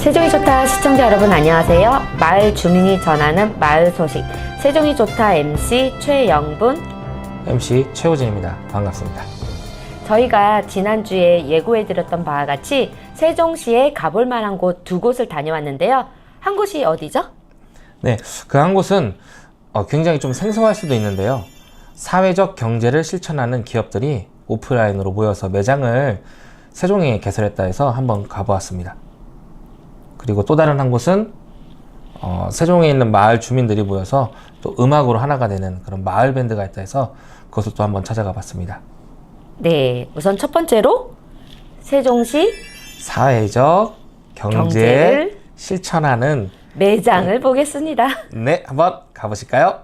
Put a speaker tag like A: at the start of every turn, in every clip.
A: 세종이 좋다 시청자 여러분 안녕하세요. 마을 주민이 전하는 마을 소식 세종이 좋다 MC 최영분
B: MC 최호진입니다. 반갑습니다.
A: 저희가 지난주에 예고해드렸던 바와 같이 세종시에 가볼 만한 곳 두 곳을 다녀왔는데요. 한 곳이 어디죠?
B: 네, 그 한 곳은 굉장히 좀 생소할 수도 있는데요. 사회적 경제를 실천하는 기업들이 오프라인으로 모여서 매장을 세종에 개설했다 해서 한번 가보았습니다. 그리고 또 다른 한 곳은 세종에 있는 마을 주민들이 모여서 또 음악으로 하나가 되는 그런 마을 밴드가 있다 해서 그것을 또 한번 찾아가 봤습니다.
A: 네, 우선 첫 번째로 세종시
B: 사회적 경제를 실천하는
A: 매장을 보겠습니다.
B: 네, 한번 가보실까요?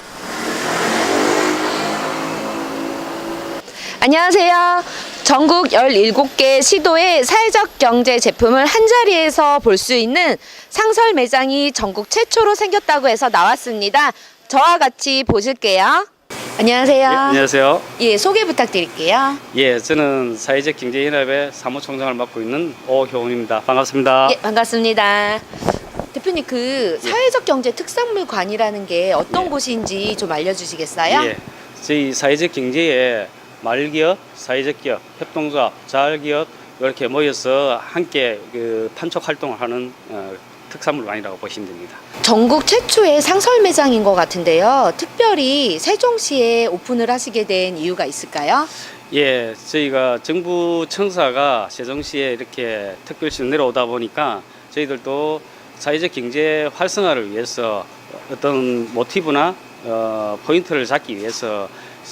C: 안녕하세요. 전국 17개 시도의 사회적 경제 제품을 한자리에서 볼 수 있는 상설 매장이 전국 최초로 생겼다고 해서 나왔습니다. 저와 같이 보실게요. 안녕하세요.
D: 예, 안녕하세요.
C: 예, 소개 부탁드릴게요.
D: 예, 저는 사회적 경제연합의 사무총장을 맡고 있는 오효훈입니다. 반갑습니다.
C: 예, 반갑습니다. 대표님, 그 사회적 경제 특산물관이라는 게 어떤
D: 예.
C: 곳인지 좀 알려주시겠어요?
D: 예, 저희 사회적 경제에 마을기업, 사회적 기업, 협동조합, 자활기업 이렇게 모여서 함께 그 판촉 활동을 하는 특산물관이라고 보시면 됩니다.
C: 전국 최초의 상설 매장인 것 같은데요. 특별히 세종시에 오픈을 하시게 된 이유가 있을까요?
D: 예, 저희가 정부 청사가 세종시에 이렇게 특별시로 내려오다 보니까 저희들도 사회적 경제 활성화를 위해서 어떤 모티브나 포인트를 잡기 위해서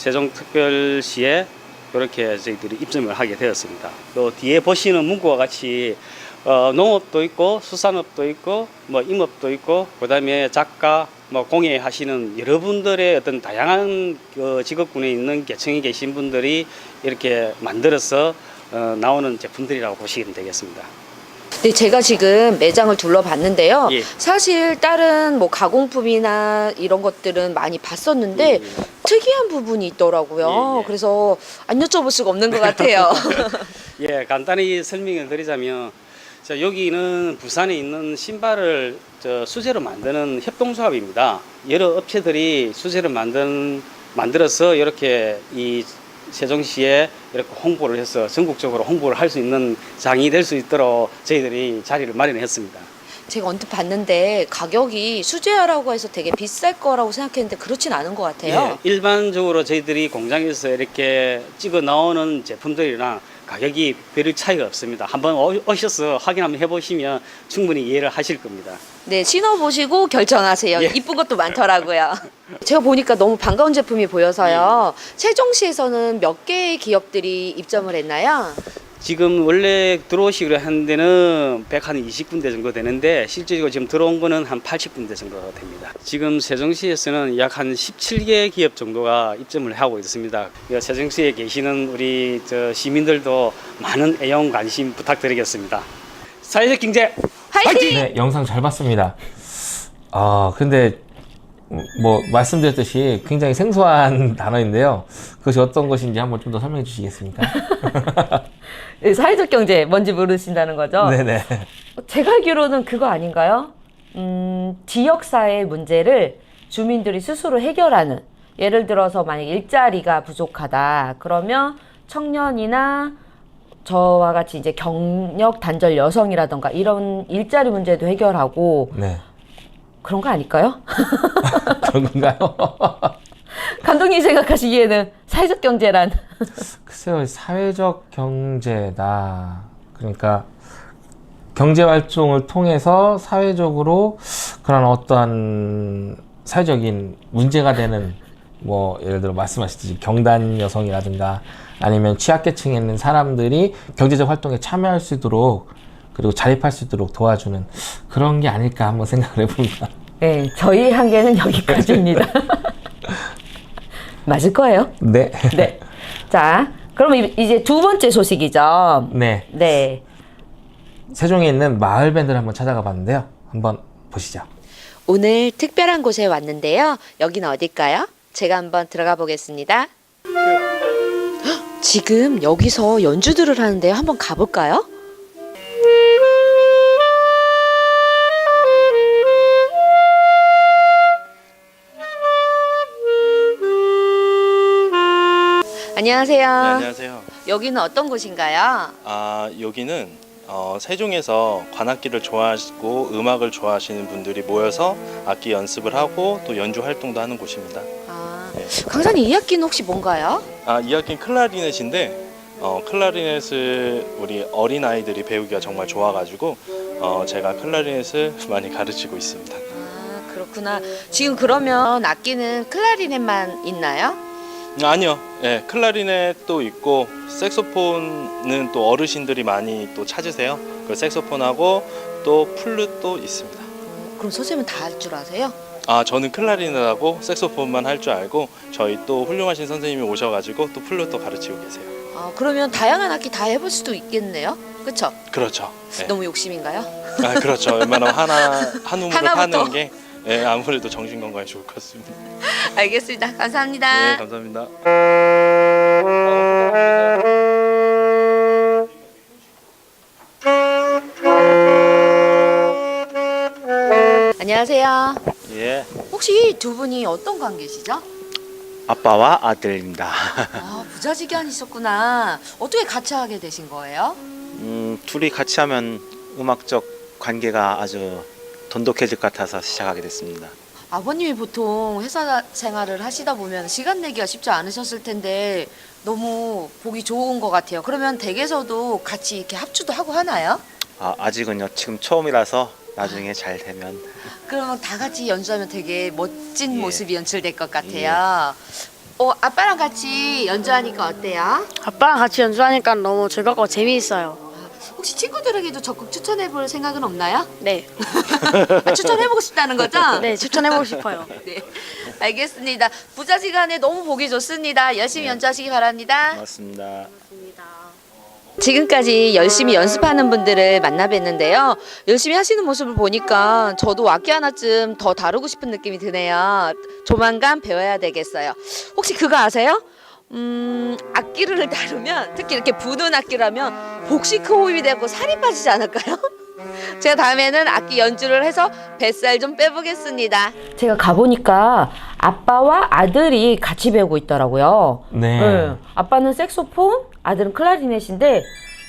D: 세종특별시에 이렇게 저희들이 입점을 하게 되었습니다. 또 뒤에 보시는 문구와 같이 농업도 있고 수산업도 있고 뭐 임업도 있고 그다음에 작가 뭐 공예하시는 여러분들의 어떤 다양한 직업군에 있는 계층에 계신 분들이 이렇게 만들어서 나오는 제품들이라고 보시면 되겠습니다.
C: 네, 제가 지금 매장을 둘러봤는데요.
D: 예.
C: 사실 다른 뭐 가공품이나 이런 것들은 많이 봤었는데 특이한 부분이 있더라고요.
D: 예, 예.
C: 그래서 안 여쭤볼 수가 없는 것 같아요.
D: 예, 간단히 설명을 드리자면 자, 여기는 부산에 있는 신발을 수제로 만드는 협동조합입니다. 여러 업체들이 수제를 만들어서 이렇게 이 세종시에 이렇게 홍보를 해서 전국적으로 홍보를 할 수 있는 장이 될 수 있도록 저희들이 자리를 마련했습니다.
C: 제가 언뜻 봤는데 가격이 수제화라고 해서 되게 비쌀 거라고 생각했는데 그렇진 않은 것 같아요.
D: 예, 일반적으로 저희들이 공장에서 이렇게 찍어 나오는 제품들이랑 가격이 별 차이가 없습니다. 한번 오셔서 확인 한번 해보시면 충분히 이해를 하실 겁니다.
C: 네, 신어보시고 결정하세요.
D: 예.
C: 이쁜 것도 많더라고요. 제가 보니까 너무 반가운 제품이 보여서요. 세종시에서는 몇 개의 기업들이 입점을 했나요?
D: 지금 원래 들어오시기로 한 데는 120군데 정도 되는데 실제로 지금 들어온 거는 한 80군데 정도 됩니다. 지금 세종시에서는 약 한 17개 기업 정도가 입점을 하고 있습니다. 세종시에 계시는 우리 시민들도 많은 애용 관심 부탁드리겠습니다. 사회적 경제
C: 화이팅!
B: 네, 영상 잘 봤습니다. 근데 뭐 말씀드렸듯이 굉장히 생소한 단어인데요. 그것이 어떤 것인지 한번 좀 더 설명해 주시겠습니까?
A: 네, 사회적 경제 뭔지 모르신다는 거죠?
B: 네네.
A: 제가 알기로는 그거 아닌가요? 지역사회 문제를 주민들이 스스로 해결하는, 예를 들어서 만약 일자리가 부족하다 그러면 청년이나 저와 같이 이제 경력 단절 여성이라던가 이런 일자리 문제도 해결하고
B: 네.
A: 그런 거 아닐까요?
B: 그런 건가요?
A: 감독님이 생각하시기에는 사회적 경제란
B: 글쎄요, 사회적 경제다. 그러니까 경제 활동을 통해서 사회적으로 그런 어떠한 사회적인 문제가 되는 뭐 예를 들어 말씀하셨듯이 경단 여성이라든가 아니면 취약계층에 있는 사람들이 경제적 활동에 참여할 수 있도록 그리고 자립할 수 있도록 도와주는 그런 게 아닐까 한번 생각을 해봅니다.
A: 네, 저희 한계는 여기까지입니다. 맞을 거예요.
B: 네.
A: 네. 자, 그러면 이제 두 번째 소식이죠.
B: 네.
A: 네.
B: 세종에 있는 마을 밴드를 한번 찾아가 봤는데요. 한번 보시죠.
C: 오늘 특별한 곳에 왔는데요. 여기는 어딜까요? 제가 한번 들어가 보겠습니다. 헉, 지금 여기서 연주들을 하는데요. 한번 가볼까요? 안녕하세요.
E: 네, 안녕하세요.
C: 여기는 어떤 곳인가요?
E: 여기는 세종에서 관악기를 좋아하시고 음악을 좋아하시는 분들이 모여서 악기 연습을 하고 또 연주 활동도 하는 곳입니다. 네.
C: 강사님 이 악기는 혹시 뭔가요?
E: 이 악기는 클라리넷인데 클라리넷을 우리 어린 아이들이 배우기가 정말 좋아가지고 제가 클라리넷을 많이 가르치고 있습니다.
C: 그렇구나. 지금 그러면 악기는 클라리넷만 있나요?
E: 아니요, 네, 클라리넷도 있고 색소폰은 또 어르신들이 많이 또 찾으세요. 그 색소폰하고 또 플룻도 있습니다.
C: 그럼 선생님은 다 할 줄 아세요?
E: 저는 클라리넷하고 색소폰만 할 줄 알고 저희 또 훌륭하신 선생님이 오셔가지고 또 플룻도 가르치고 계세요.
C: 그러면 다양한 악기 다 해볼 수도 있겠네요. 그렇죠?
E: 그렇죠. 네.
C: 너무 욕심인가요?
E: 그렇죠. 웬만하면 한 우물을
C: 하나부터.
E: 파는 게 아무래도 정신 건강에 좋을 것 같습니다.
C: 알겠습니다. 감사합니다.
E: 네, 감사합니다.
C: 안녕하세요.
F: 예,
C: 혹시 두 분이 어떤 관계시죠?
F: 아빠와 아들입니다.
C: 부자지간이셨구나. 어떻게 같이 하게 되신 거예요?
F: 둘이 같이 하면 음악적 관계가 아주 돈독해질 것 같아서 시작하게 됐습니다.
C: 아버님이 보통 회사 생활을 하시다 보면 시간 내기가 쉽지 않으셨을 텐데 너무 보기 좋은 것 같아요. 그러면 댁에서도 같이 이렇게 합주도 하고 하나요?
F: 아직은요, 지금 처음이라서 나중에 잘 되면.
C: 그러면 다 같이 연주하면 되게 멋진
F: 예.
C: 모습이 연출될 것 같아요. 아빠랑 같이 연주하니까 어때요?
G: 아빠랑 같이 연주하니까 너무 즐겁고 재미있어요.
C: 혹시 친구들에게도 적극 추천해 볼 생각은 없나요?
G: 네,
C: 추천해보고 싶다는 거죠?
G: 네 추천해보고 싶어요.
C: 네, 알겠습니다. 부자지간에 너무 보기 좋습니다. 열심히 연주하시기 바랍니다.
F: 고맙습니다.
C: 지금까지 열심히 연습하는 분들을 만나 뵀는데요. 열심히 하시는 모습을 보니까 저도 악기 하나쯤 더 다루고 싶은 느낌이 드네요. 조만간 배워야 되겠어요. 혹시 그거 아세요? 악기를 다루면, 특히 이렇게 부는 악기라면 복식 호흡이 되고 살이 빠지지 않을까요? 제가 다음에는 악기 연주를 해서 뱃살 좀 빼보겠습니다.
A: 제가 가보니까 아빠와 아들이 같이 배우고 있더라고요.
B: 네.
A: 아빠는 색소폰, 아들은 클라리넷인데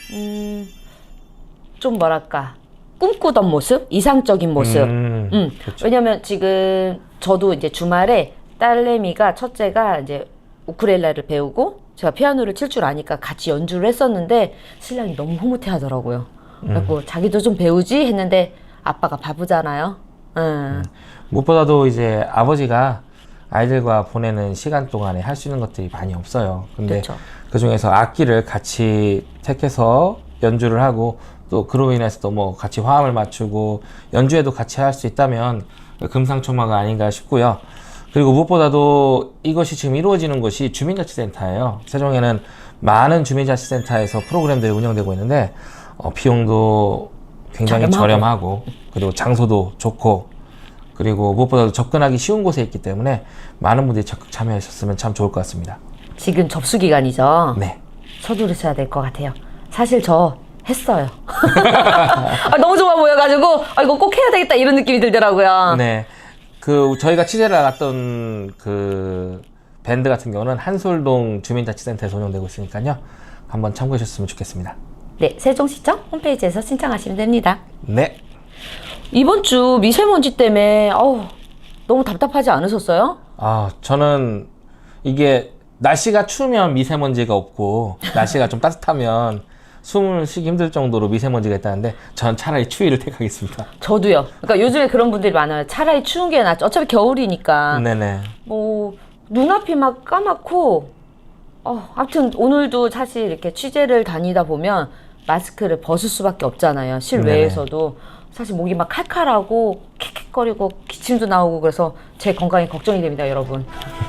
A: 좀 뭐랄까 꿈꾸던 모습, 이상적인 모습.
B: 그렇죠.
A: 왜냐면 지금 저도 이제 주말에 딸내미가 첫째가 이제 우쿨렐레를 배우고 제가 피아노를 칠 줄 아니까 같이 연주를 했었는데 신랑이 너무 흐뭇해 하더라고요. 그래서 자기도 좀 배우지 했는데 아빠가 바쁘잖아요.
B: 무엇보다도 이제 아버지가 아이들과 보내는 시간 동안에 할 수 있는 것들이 많이 없어요. 근데
A: 그렇죠.
B: 그 중에서 악기를 같이 택해서 연주를 하고 또 그로 인해서 또 뭐 같이 화음을 맞추고 연주에도 같이 할 수 있다면 금상첨화가 아닌가 싶고요. 그리고 무엇보다도 이것이 지금 이루어지는 곳이 주민자치센터예요. 세종에는 많은 주민자치센터에서 프로그램들이 운영되고 있는데 비용도 굉장히 저렴하고 그리고 장소도 좋고 그리고 무엇보다도 접근하기 쉬운 곳에 있기 때문에 많은 분들이 적극 참여하셨으면 참 좋을 것 같습니다.
A: 지금 접수 기간이죠.
B: 네.
A: 서두르셔야 될 것 같아요. 사실 저 했어요. 너무 좋아 보여가지고 이거 꼭 해야 되겠다 이런 느낌이 들더라고요.
B: 네. 저희가 취재를 나갔던 그 밴드 같은 경우는 한솔동 주민자치센터에서 운영되고 있으니까요. 한번 참고해 주셨으면 좋겠습니다.
A: 네, 세종시청 홈페이지에서 신청하시면 됩니다.
B: 네.
A: 이번 주 미세먼지 때문에 너무 답답하지 않으셨어요?
B: 저는 이게 날씨가 추우면 미세먼지가 없고 날씨가 좀 따뜻하면 숨을 쉬기 힘들 정도로 미세먼지가 있다는데 전 차라리 추위를 택하겠습니다.
A: 저도요. 그러니까 요즘에 그런 분들이 많아요. 차라리 추운 게 낫죠. 어차피 겨울이니까.
B: 네네.
A: 뭐 눈앞이 막 까맣고 아무튼 오늘도 사실 이렇게 취재를 다니다 보면 마스크를 벗을 수밖에 없잖아요. 실외에서도. 사실 목이 막 칼칼하고 캑캑거리고 기침도 나오고 그래서 제 건강이 걱정이 됩니다, 여러분.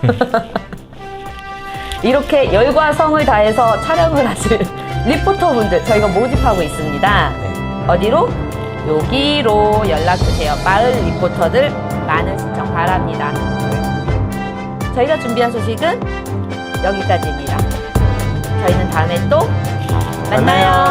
A: 이렇게 열과 성을 다해서 촬영을 하실 리포터분들 저희가 모집하고 있습니다. 어디로? 여기로 연락주세요. 마을 리포터들 많은 신청 바랍니다. 저희가 준비한 소식은 여기까지입니다. 저희는 다음에 또 만나요.